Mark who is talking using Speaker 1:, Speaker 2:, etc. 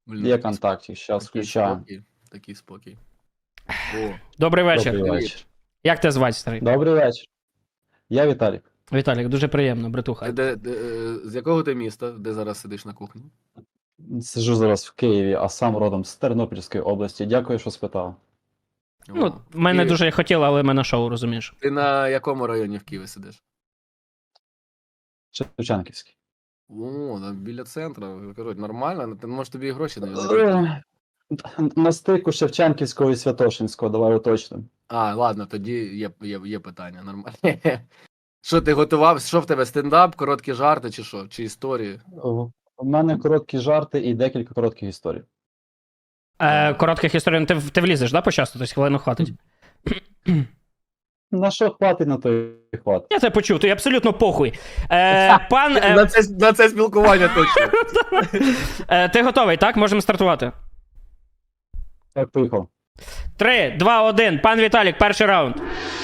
Speaker 1: Блін,
Speaker 2: Є
Speaker 1: такий
Speaker 2: контактик, зараз
Speaker 1: такий
Speaker 2: включаю.
Speaker 1: спокій, такий спокій. О,
Speaker 3: Добрий вечір.
Speaker 2: Добрий
Speaker 1: Привіт.
Speaker 2: вечір.
Speaker 3: Як тебе звати, старий?
Speaker 2: Добрий вечір. Я Віталік.
Speaker 3: Віталік, дуже приємно, братуха.
Speaker 1: з якого ти міста, де зараз сидиш на кухні?
Speaker 2: Сиджу зараз в Києві, а сам родом з Тернопільської області. Дякую, що спитав.
Speaker 3: Ну,
Speaker 1: О,
Speaker 3: мене
Speaker 1: і
Speaker 3: дуже хотіло, але мене шоу, розумієш.
Speaker 1: Ти на якому районі в Києві сидиш?
Speaker 2: Шевченківський.
Speaker 1: О, там біля центру. Кажуть, нормально, ти може тобі і гроші не
Speaker 2: На стику Шевченківського і Святошинського, давай уточнимо.
Speaker 1: А, ладно, тоді є питання, нормально. Що ти готував? Що в тебе, стендап, короткі жарти чи що? Чи історії?
Speaker 2: У мене короткі жарти і декілька коротких історій.
Speaker 3: Коротких історій, ну, ти влізеш, да, по часу? Тобто хвилину хватить?
Speaker 2: На що хватить, на то і хватить.
Speaker 3: Я тебе почув, ти абсолютно похуй. Пан,
Speaker 1: На це спілкування точно.
Speaker 3: ти готовий, так? Можемо стартувати.
Speaker 2: Так, поїхав.
Speaker 3: 3, 2, 1. Пан Віталік, перший раунд.